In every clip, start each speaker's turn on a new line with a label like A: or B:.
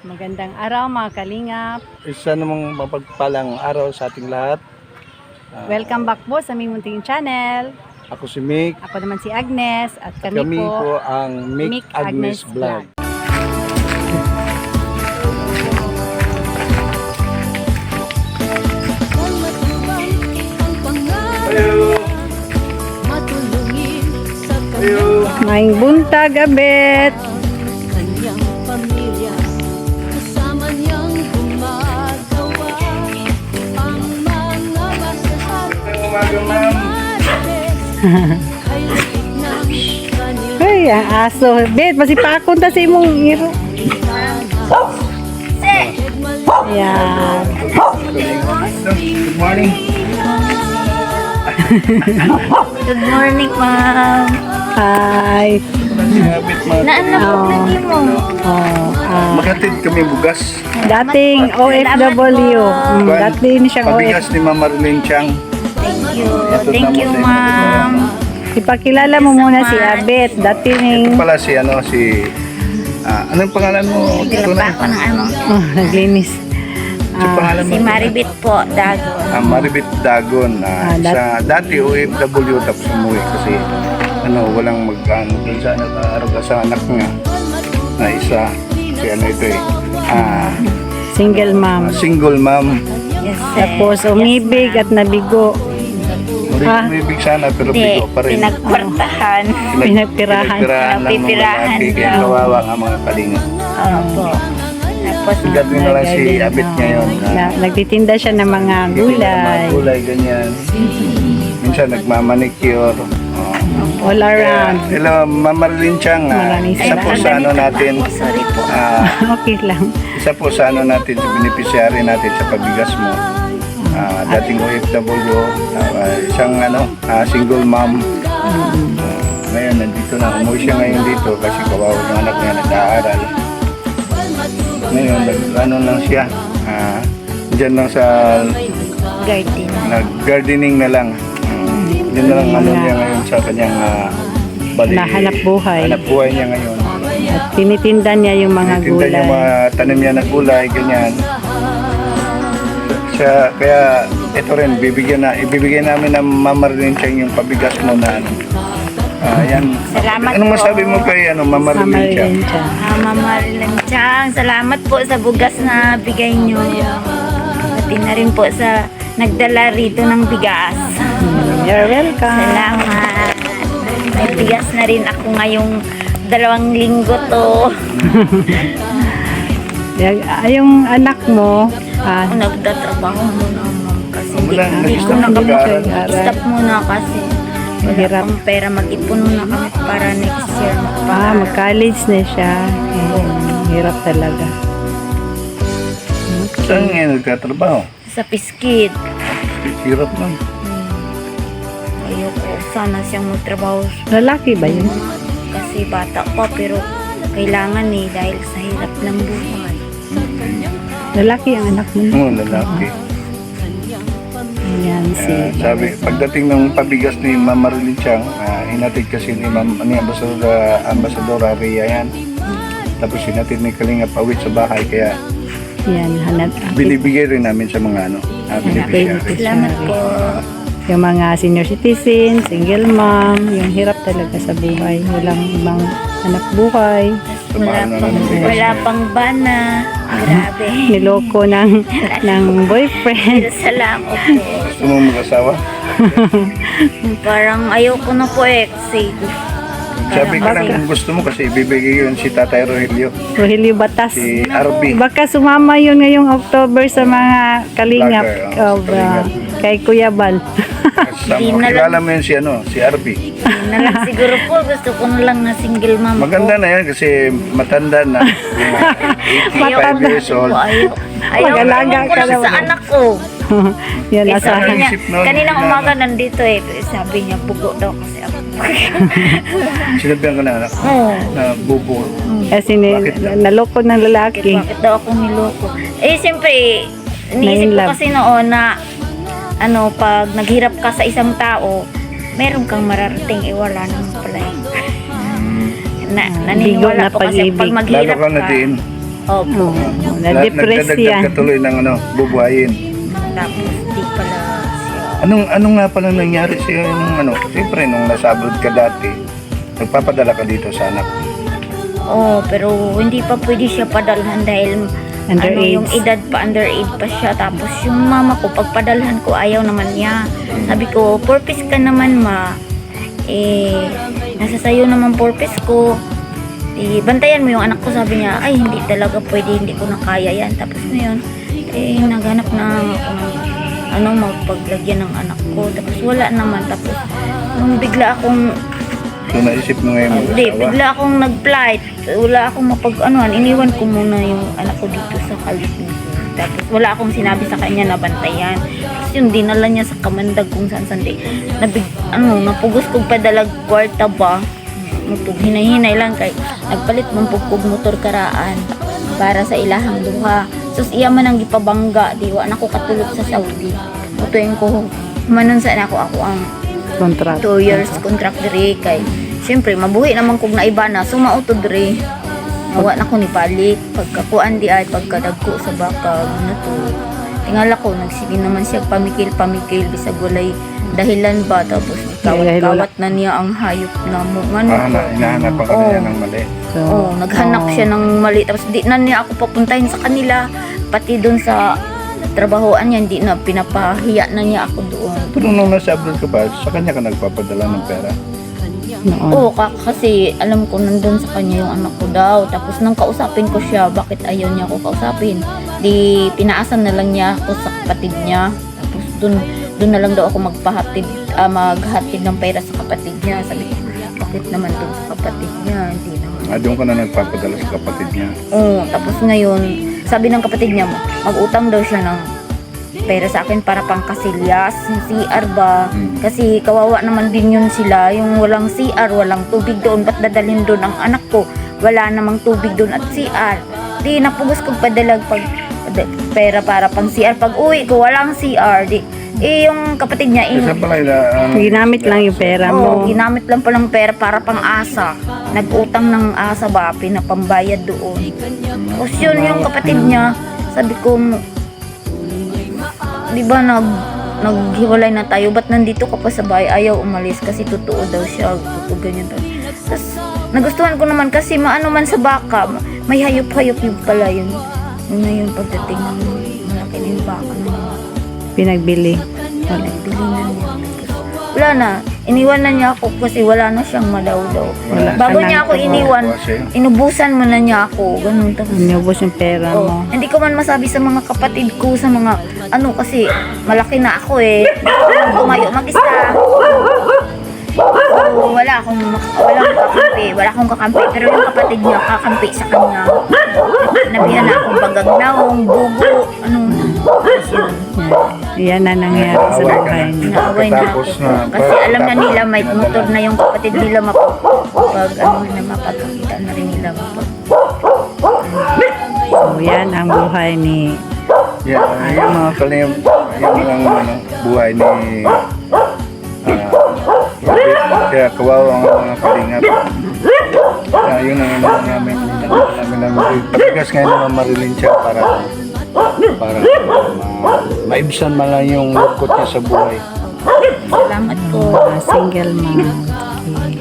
A: Magandang araw mga kalingap.
B: Isa namang mapagpalang araw sa ating lahat.
A: Welcome back po sa aming munting channel.
B: Ako si Mick.
A: Ako naman si Agnes at kami,
B: Kami
A: po
B: po ang Mick Agnes Vlog. Hello. Hello.
A: Maing buntag abet.
C: Kanyang pamilya, kasama niyang gumagawa ang mga basahan.
B: Umaga, ma'am.
C: Ay likit ng kanilang
A: Ay, ang aso. Bet, masipakon ta sa imong iro. Ayan.
B: Good morning.
D: Good morning, ma'am.
A: Hi.
B: Habit mga
D: Naanap lagi mo.
B: Maghatid kami bugas.
A: Dating OFW. Dati ni siyang
B: Pabigas ni Mama Marlene Chang.
D: Thank you.
B: Ito
D: Thank
B: tamo
D: you,
B: sa inyo.
D: ma'am.
A: Ipakilala mo muna si Abet. Dati
B: Ito
A: ning
B: pala si anong pangalan mo?
D: Naglalaba ako ng ano.
A: naglinis.
B: Sa pangalan mo?
D: Si Maribit po, Dago.
B: Maribit Dagon. Dati OFW tapos umuwi kasi walang magkano dun sa nag-aaral sa anak niya na isa. Si ito
A: Single mom.
B: single mom.
D: Yes, sir.
A: Tapos umibig at nabigo.
B: Umibig sana pero
D: Hindi,
B: bigo pa rin.
D: pinagkwartahan.
A: Pinagpirahan.
B: Pinagpirahan ng mga
D: Pinagpipirahan
B: lalaki kaya
D: lang.
B: kawawa nga mga kalinga.
D: Opo. Tapos,
B: Sigat nyo na lang si Abet ngayon.
A: Nagtitinda siya ng mga gulay.
B: Mga gulay, ganyan. Minsan nagmamanicure.
A: All around.
B: Hello, Ma'am Marlene Chang.
A: Maraming
B: Isa po sa natin.
D: sorry po.
A: Okay lang.
B: Isa po sa natin, sa beneficiary natin sa pabigas mo. Dating OFW, isang single mom. Ngayon, nandito na. Umuwi siya ngayon dito kasi kawawa yung anak niya nag-aaral. Ngayon, lang siya. Diyan lang sa
D: Garden.
B: nag-gardening na lang. Yun na lang niya ngayon sa kanyang
A: Nahanap buhay.
B: Hanap buhay niya ngayon.
A: At tinitinda niya yung mga
B: Tinda
A: gulay.
B: niya mga tanim niya na gulay, ganyan. Kaya ito rin, ibibigay namin ng Mama Marlene Chang yung pabigas mo na yan.
D: Salamat
B: Anong
D: po.
B: masabi mo kay Mama Marlene Chang?
A: Samarin siya.
D: Mama Marlene Chang, salamat po sa bugas na bigay nyo. Pati na rin po sa nagdala rito ng bigas.
A: You're welcome.
D: Salamat. May bigas na rin ako ngayong 2 linggo to.
A: Yung anak mo,
D: Ako nagtatrabaho muna, ma'am. Kasi
B: Wala,
D: hindi ko
B: nag-stop
D: nakapag-
B: mag-aaral.
D: stop muna kasi wala
A: Hirap.
D: akong pera. Mag-ipon muna kami para next year.
A: mag-college na siya. Hirap talaga.
B: Saan ngayon nagkatrabaho?
D: Sa Piskid.
B: Hirap lang.
D: Ayoko sana siyang magtrabaho
A: Lalaki ba yun?
D: kasi bata pa pero kailangan dahil sa hirap ng buhay.
A: Lalaki ang anak mo.
B: Oo, lalaki.
A: Ayan si...
B: Sabi, pagdating ng pabigas ni Mama Marlene Chang, hinatid kasi ni Ambassador Ria yan. Tapos hinatid ni Kalinga Pawit sa bahay, kaya
A: Yan, hanap.
B: binibigay rin namin sa mga beneficiary.
D: Salamat po.
A: Yung mga senior citizen, single mom, yung hirap talaga sa buhay. Walang ibang anak buhay.
D: Wala pang bana. Grabe.
A: Niloko ng boyfriend.
D: Salamat po.
B: Gusto mo mag-asawa?
D: Parang ayoko na po kasi
B: Sabi ko lang kung gusto mo kasi ibibigay yun si Tatay Rogelio,
A: Rogelio Batas.
B: si Arby.
A: Baka sumama yun ngayong October sa mga kalingap
B: Vlogger,
A: kay Kuya Bal.
B: Kilala mo yun si Arby.
D: na lang siguro po. Gusto ko na lang na single mom
B: Maganda na yan kasi matanda na. 85 years old.
D: Ayaw
A: Mag-alaga
D: ko
A: ka
D: na
A: naman.
D: sa anak ko.
A: Yan,
D: Eh, sabi
A: asahan.
D: niya,
B: Isip nun,
D: kaninang
B: na-
D: umaga nandito sabi niya, bugo daw kasi ako.
B: Sinabihan ko na anak ko
D: Oo.
B: na bubo.
A: Kasi
B: Bakit daw?
A: naloko ng lalaki.
D: Bakit daw ako niloko? Siyempre, iniisip ko
A: Na-in-love.
D: kasi noon na pag naghirap ka sa isang tao, meron kang mararating, wala naman pala
A: Bigo
D: naniniwala
A: na
D: po kasi
A: pag-ibig.
D: pag
B: Lalo
D: maghirap
B: ka na din.
D: Opo.
A: Na-depress
B: Nagdadagdag
A: yan.
B: ka tuloy ng bubuhayin.
D: Tapos di pala siya.
B: Anong nga pala nangyari sa yung siyempre nung nasa abroad ka dati, nagpapadala ka dito sa anak.
D: Pero hindi pa pwede siya padalhan dahil
A: Underage.
D: yung edad pa, underage pa siya. Tapos yung mama ko, pagpadalhan ko, ayaw naman niya. Sabi ko, purpose ka naman ma. Nasa sayo naman purpose ko. Bantayan mo yung anak ko, sabi niya. Ay, hindi talaga pwede, hindi ko na kaya yan. Tapos ngayon, naghanap na ako ng magpaglagyan ng anak ko. Tapos wala naman. Tapos nung bigla akong
B: So naisip mo ngayon
D: Hindi,
B: mag-asawa.
D: bigla akong nag-flight. Wala akong iniwan ko muna yung anak ko dito sa California. Tapos wala akong sinabi sa kanya na bantayan. Tapos yun, dinala niya sa Kamandag kung saan-saan. Napugos kong padalag kwarta ba. Hinahinay lang kay nagpalit mong pugpug motor karaan para sa ilahang duha. Sus iya man ang gipabangga, diwa na ko katulog sa Saudi. Mutuin ko manon sa ako ang
A: Contract.
D: 2 years contract diri kay syempre mabuhi naman kog naiba na sumauto diri nawa na ko ni balik pagkakuan di ay pagkadagko sa bakag na to tingala ko nagsige naman siya pamikil bisag walay dahilan ba tapos kawat na niya ang hayop na mo
B: Hinahanap pa ka niya ng mali.
A: So,
D: naghanap siya ng mali tapos di na niya ako papuntahin sa kanila pati doon sa trabahoan niya hindi na pinapahiya na niya ako doon.
B: Pero nung nasa abroad ka ba, sa kanya ka nagpapadala ng pera?
A: noon.
D: Oo, kasi alam ko nandun sa kanya yung anak ko daw. Tapos nang kausapin ko siya, bakit ayaw niya ako kausapin? Di pinaasan na lang niya ako sa kapatid niya. Tapos dun na lang daw ako maghatid ng pera sa kapatid niya. Sabi ko, bakit naman dun sa kapatid niya? Hindi naman.
B: Doon ka na nagpapadala sa kapatid niya.
D: Oo, tapos ngayon, sabi ng kapatid niya, mag-utang daw siya ng pera sa akin para pang kasilyas, CR ba? Kasi kawawa naman din yun sila, yung walang CR, walang tubig doon, ba't dadalhin doon ang anak ko? Wala namang tubig doon at CR. Di napugos kong padalag pera para pang CR. Pag uwi ko, walang CR. Yung kapatid niya,
B: Isa pala
A: Ginamit lang yung pera mo.
D: ginamit lang palang pera para pang asa. Nag-utang ng asa ba, pinapambayad doon. Tapos yun yung kapatid niya, sabi ko, di ba naghiwalay na tayo, ba't nandito ka pa sa bahay, ayaw umalis kasi totoo daw siya, totoo ganyan daw. Tapos nagustuhan ko naman kasi maano man sa baka, may hayop-hayop yung pala yun. Yun na yung pagdating ng malaki na yung baka na yun.
A: Pinagbili.
D: Nagbili na niya. Wala na. Iniwan na niya ako kasi wala na siyang malaw-law.
A: Wala.
D: Bago
A: Siya
D: niya
A: na-
D: ako iniwan, inubusan mo na niya ako. Ganun. Tapos,
A: Inubos yung pera mo.
D: hindi ko man masabi sa mga kapatid ko, sa mga kasi malaki na ako eh. Tumayo mag-isa. So, wala akong kakampi. Pero yung kapatid niya, kakampi sa kanya. Nabihan na akong bagagnaong, bugo, tapos yun.
A: Yan na nangyari sa buhay niya.
D: Naaway na ako.
B: Tapos na-
D: Kasi alam na nila may motor na yung kapatid nila mapagkakita na rin nila
A: So, yan ang buhay ni
B: yung mga kalim, yung buhay ni kaya kawawa ang mga kalingap. Yun ang namin pagkas ngayon naman marilin siya para maibsan man lang yung lungkot niya sa buhay.
D: Salamat po.
A: single mom. Okay.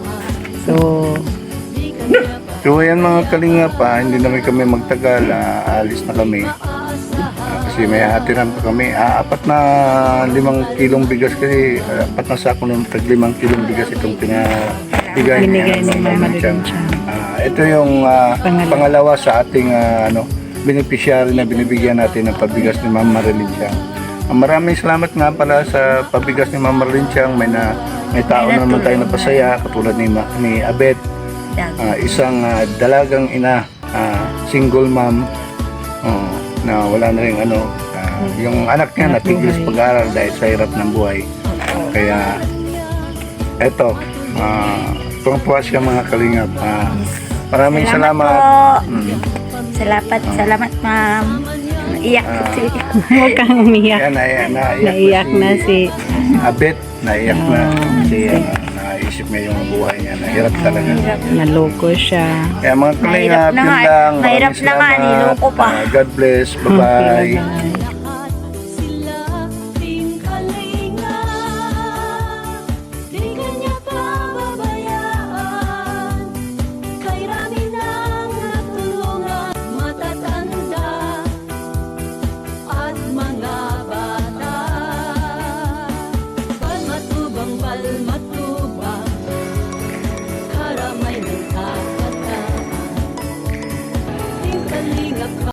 B: So yan mga kalingap, hindi naman kami magtagal, alis na kami. Kasi may hatiran pa kami, 4 na 5 kilong bigas kasi 4 na sako ng 5 kilong bigas itong binigay
A: Binigay ni Mama
B: Lilian.
A: Lilian.
B: Ito yung pangalawa sa ating beneficiary na binibigyan natin ng pabigas ni Mama Lilian. Maraming salamat nga pala sa pabigas ni Mama Lilian. May tao na naman tayo napasaya katulad ni Abet. Isang dalagang ina, single mom, na wala na rin yung anak niya natigil sa pag-aaral dahil sa hirap ng buhay. Kaya eto, tuwang-tuwa siya mga kalingap. Maraming salamat.
D: Salamat ma'am. Iyak ko.
A: Huwag kang umiyak.
B: Yan, naiyak
A: Naiyak na si
B: Abet, naiyak na. Kasi maisip niya yung buhay niya. Nahirap talaga.
A: Naloko siya.
B: Kaya mga kalingap,
D: Mahirap na
B: yun
D: nga.
B: lang.
D: Mahirap
B: Maraming
D: na nga,
B: salamat.
D: niloko pa.
B: God bless. Bye-bye.
A: Bye-bye.
C: At sila rin kalinga, di kanya pababayaan. Kay rami nang natulungan, matatanda at mga bata. Palmatubang palmatubang